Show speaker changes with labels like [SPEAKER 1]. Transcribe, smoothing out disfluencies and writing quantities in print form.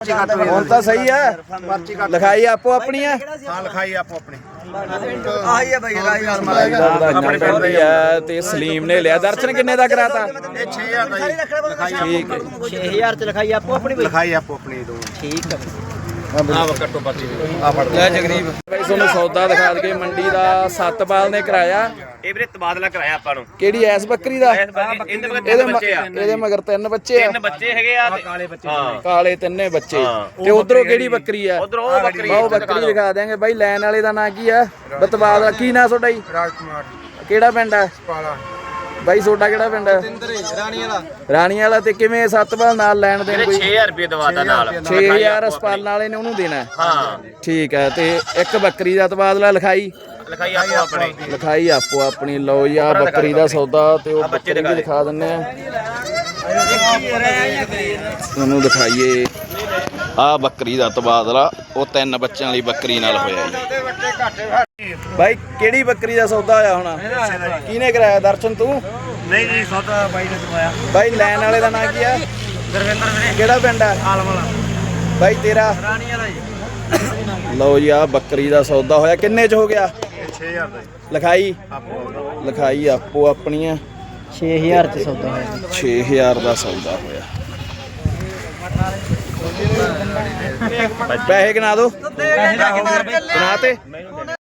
[SPEAKER 1] ਹੁਣ ਤਾਂ ਸਹੀ ਹੈ। ਲਿਖਾਈ ਆਪੋ ਆਪਣੀ ਹੈ।
[SPEAKER 2] ਹਾਂ ਲਿਖਾਈ ਆਪੋ ਆਪਣੀ
[SPEAKER 3] ਆਹੀ ਹੈ ਬਾਈ
[SPEAKER 1] ਆਪਣੇ ਪਿੰਡ ਦੀ ਹੈ ਤੇ ਸਲੀਮ ਨੇ ਲਿਆ। ਦਰਸ਼ਨ ਕਿੰਨੇ ਦਾ ਕਰਾਤਾ?
[SPEAKER 2] ਇਹ 6000 ਦਾ ਜੀ ਲਿਖਾਈ
[SPEAKER 1] ਠੀਕ ਹੈ
[SPEAKER 3] 6000 ਚ ਲਿਖਾਈ ਆਪੋ ਆਪਣੀ
[SPEAKER 2] ਲਿਖਾਈ ਆਪੋ ਆਪਣੀ ਦੋ
[SPEAKER 3] ਠੀਕ ਹੈ
[SPEAKER 2] ਆ ਕੱਟੋ ਪਰਚੀ ਆ ਫੜ
[SPEAKER 1] ਲੈ ਜਗਰੀਬ ਭਾਈ ਤੁਹਾਨੂੰ ਸੌਦਾ ਦਿਖਾ ਦਈਏ। ਮੰਡੀ ਦਾ ਸਤਪਾਲ ਨੇ ਕਰਾਇਆ।
[SPEAKER 4] ਇਹ ਵੀਰੇ ਤਬਾਦਲਾ ਕਰਾਇਆ ਆਪਾਂ ਨੂੰ।
[SPEAKER 1] ਕਿਹੜੀ ਐਸ ਬੱਕਰੀ ਦਾ?
[SPEAKER 4] ਇਹਦੇ
[SPEAKER 1] ਮਗਰ ਤਿੰਨ ਬੱਚੇ ਆ।
[SPEAKER 4] ਤਿੰਨ ਬੱਚੇ ਹੈਗੇ ਆ ਕਾਲੇ ਬੱਚੇ। ਹਾਂ
[SPEAKER 1] ਕਾਲੇ ਤਿੰਨੇ ਬੱਚੇ। ਤੇ ਉਧਰੋਂ ਕਿਹੜੀ ਬੱਕਰੀ ਆ?
[SPEAKER 4] ਉਧਰ ਉਹ ਬੱਕਰੀ
[SPEAKER 1] ਉਹ ਬੱਕਰੀ ਦਿਖਾ ਦਿਆਂਗੇ ਬਾਈ। ਲੈਣ ਵਾਲੇ ਦਾ ਨਾਂ ਕੀ ਆ? ਬਤਬਾਦ। ਕੀ ਨਾਂ ਤੁਹਾਡਾ ਜੀ?
[SPEAKER 2] ਰਾਜਕੁਮਾਰ
[SPEAKER 1] ਕਿਹੜਾ ਪਿੰਡ ਆ
[SPEAKER 2] ਪਾਲਾ
[SPEAKER 1] ਬਾਈ? ਤੁਹਾਡਾ ਕਿਹੜਾ ਪਿੰਡ ਆ? ਰਾਣੀ ਵਾਲਾ। ਤੇ ਕਿਵੇਂ ਸਤਪਾਲ ਨਾਲ ਲੈਣ ਦੇਣ ਕੋਈ?
[SPEAKER 4] 6000 ਰੁਪਏ ਦਵਾਦਾ ਨਾਲ
[SPEAKER 1] 6000 ਸਪਾਲ ਵਾਲੇ ਨੇ ਉਹਨੂੰ ਦੇਣਾ?
[SPEAKER 4] ਹਾਂ
[SPEAKER 1] ਠੀਕ ਹੈ। ਤੇ ਇੱਕ ਬੱਕਰੀ ਦਾ ਤਬਾਦਲਾ ਲਿਖਾਈ
[SPEAKER 4] ਲਿਖਾਈ ਆਪੋ ਆਪਣੀ।
[SPEAKER 1] ਲਿਖਾਈ ਆਪੋ ਆਪਣੀ। ਲਓ ਜੀ ਆ ਬੱਕਰੀ ਦਾ ਸੌਦਾ ਤੇ ਉਹ ਬੱਕਰੀ ਵੀ ਦਿਖਾ ਦਿੰਨੇ ਆ ਤੁਹਾਨੂੰ। ਦਿਖਾਈਏ ਆ ਬੱਕਰੀ ਦਾ ਤਬਾਦਲਾ ਉਹ ਤਿੰਨ ਬੱਚਿਆਂ ਵਾਲੀ ਬੱਕਰੀ ਨਾਲ ਹੋਇਆ ਜੀ। ਬਾਈ ਕਿਹੜੀ ਬੱਕਰੀ ਦਾ ਸੌਦਾ ਹੋਇਆ ਹੁਣ? ਕਿਹਨੇ ਕਰਾਇਆ? ਦਰਸ਼ਨ ਤੂੰ?
[SPEAKER 2] ਨਹੀਂ ਜੀ ਸੌਦਾ ਬਾਈ ਨੇ ਕਰਵਾਇਆ
[SPEAKER 1] ਬਾਈ ਲੈਣ ਵਾਲੇ ਦਾ ਨਾਂ ਕੀ ਆ?
[SPEAKER 2] ਗੁਰਵਿੰਦਰ ਵੀਰੇ
[SPEAKER 1] ਕਿਹੜਾ ਪਿੰਡ ਆ?
[SPEAKER 2] ਆਲਮ ਵਾਲਾ
[SPEAKER 1] ਬਾਈ ਤੇਰਾ?
[SPEAKER 2] ਰਾਣੀ ਵਾਲਾ ਜੀ
[SPEAKER 1] ਲਓ ਜੀ ਆ ਬੱਕਰੀ ਦਾ ਸੌਦਾ ਹੋਇਆ। ਕਿੰਨੇ ਚ ਹੋ ਗਿਆ?
[SPEAKER 2] 6000 ਦਾ
[SPEAKER 1] ਲਿਖਾਈ
[SPEAKER 2] ਆਪੋ
[SPEAKER 1] ਲਿਖਾਈ ਆਪੋ ਆਪਣੀਆਂ।
[SPEAKER 3] 6000 ਚ ਸੌਦਾ ਹੋਇਆ
[SPEAKER 1] 6000 ਦਾ ਸੌਦਾ ਹੋਇਆ। ਪੈਸੇ ਗਿਣਾ ਦੋ। ਗਿਣਾ ਤੇ